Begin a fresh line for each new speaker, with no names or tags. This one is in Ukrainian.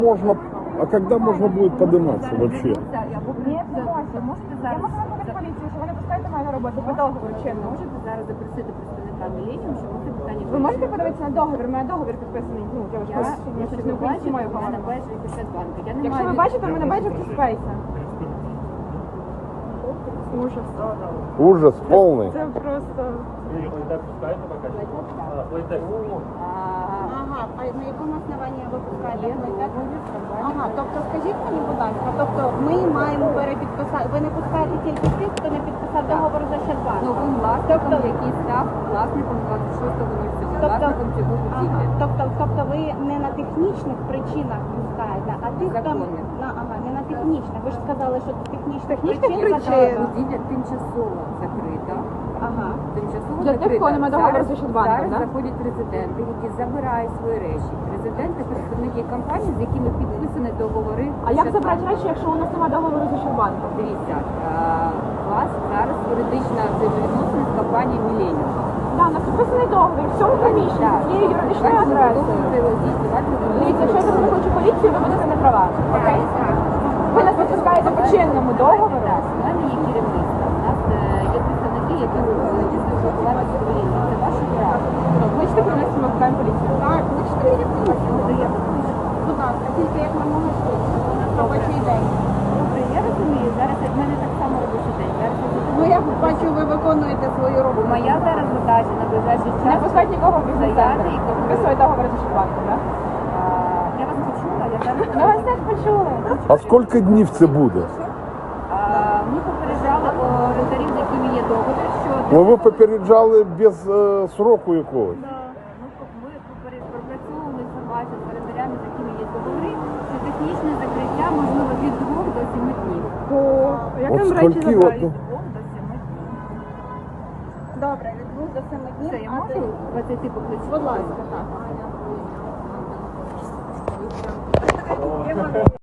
Можно, а когда можно будет подниматься вообще?
Ні, не можна. Можете зараз. Я можу викликати поліцію, що ви не пускаєте мене на роботу по договору чинно.
Можете зараз запросити представника мілініум, щоб це питання
Ви можете подивитися на договір? У мене договір підписаний. Ну, я ж
Я
щось
щось
не
не бачу,
маю
в мене бачу Ощадбанку. Я не
Якщо ви
маю
бачите, в мене бачить спейса. Ужас.
Ужас полный.
Це просто...
Ага, а на якому основанні ви пускаєте? Ага, тобто скажіть мені, будь ласка, тобто ми маємо перепідписати, ви не пускаєте тільки тих, хто не підписав договор за Ощадбанк?
новим власником, який став власником 26.07, власником цього будівлі.
Тобто ви не на технічних причинах пускаєте, а тих, хто
Законних.
не на технічних. Ви ж сказали, що технічних
причин
причин.
Будівля тимчасово закрита.
Ага.
Тимчасово
Для тих,
закрита.
кого немає договору
Зараз-
з Ощадбанком,
Зараз
да?
заходять резиденти, які забирають свої речі. Резиденти – представники компаній, з якими підписані договори.
А як забрати речі, якщо у нас немає договору з Ощадбанком?
Дивіться, у вас зараз юридична взаємовідносини з компанією Міленіум.
Так, у нас підписаний договір, в цьому приміщенні, з цією юридичною адресою. Дивіться, якщо я зараз викличу поліцію, ви будете не права. Окей? Ви нас відпускаєте по чинному договору.
Так, у мене є керівництво. У нас є представники, які дійсно спілкуватися з поліцією. Це ваше право.
Кличте керівництво, ми викликаємо поліцію.
Так, ви ж будь ласка, тільки як ми можемо швидше, у нас робочий день.
Добре, я розумію, зараз в мене так само робочий день. Зараз я буду-
Ну я бачу, ви виконуєте свою
Бо
роботу.
моя зараз задача на ближайший
Не
час.
пускати нікого в бізнес-центр.
Заяви і
Підписує договор з Ощадбанком, так?
Я вас почула, я зараз...
Ми вас теж почули.
А сколько днів це буде?
Ми попереджали орендарів, з якими є договір, що...
Ну ви попереджали без сроку якогось.
Ми пропрацьовували інформацію з орендарями, з якими є договори, що технічне закриття можливо від 2 до 7 днів.
Як
От
нам речі
скільки
забирають?
от,
2 до 7 днів.
Добре, від 2 до 7 днів.
Все, я можу 20 покличу?
Будь ласка, так.